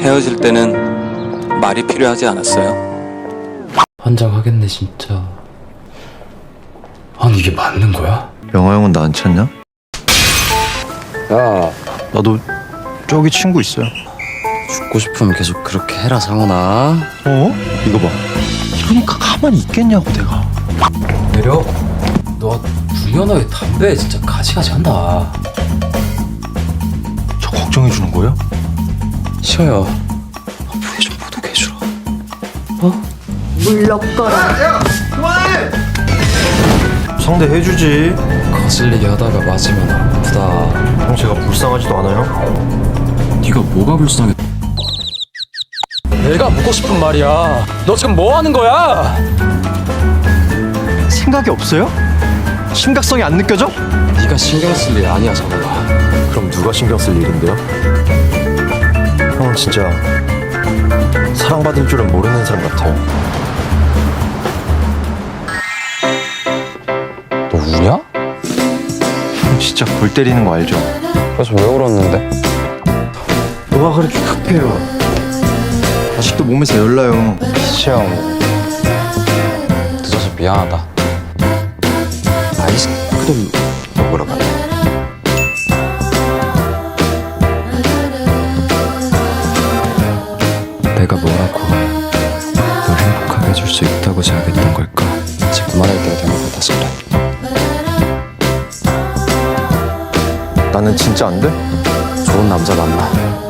헤어질 때는 말이 필요하지 않았어요? 환장하겠네 진짜. 아니 이게 맞는 거야? 영화 형은 나 안 찾냐? 야, 나도 저기 친구 있어요. 죽고 싶으면 계속 그렇게 해라 상훈아. 어? 이거 봐. 이러니까 가만히 있겠냐고 내가. 내려. 너 중현아의 담배 진짜 가지가지 한다. 저 걱정해 주는 거예요? 시아야, 부에 좀 보독해주라. 어? 물러거라. 상대 해주지. 거슬리게 하다가 맞으면 아프다. 형 제가 불쌍하지도 않아요? 네가 뭐가 불쌍해? 내가 묻고 싶은 말이야. 너 지금 뭐 하는 거야? 생각이 없어요? 심각성이 안 느껴져? 네가 신경 쓸 일 아니야 정우가. 그럼 누가 신경 쓸 일인데요? 형은 진짜 사랑받을 줄은 모르는 사람 같아요. 너 우냐? 형 진짜 골 때리는 거 알죠? 그래서 왜 울었는데? 뭐가 그렇게 급해요? 아직도 몸에서 열나요. 시아, 늦어서 미안하다. 아이스크림 먹으러 가자. 내가 뭐라고 널 행복하게 해줄 수 있다고 생각했던 걸까? 이제 그만할 때가 된 것 같아서 그래. 나는 진짜 안 돼? 좋은 남자 만나.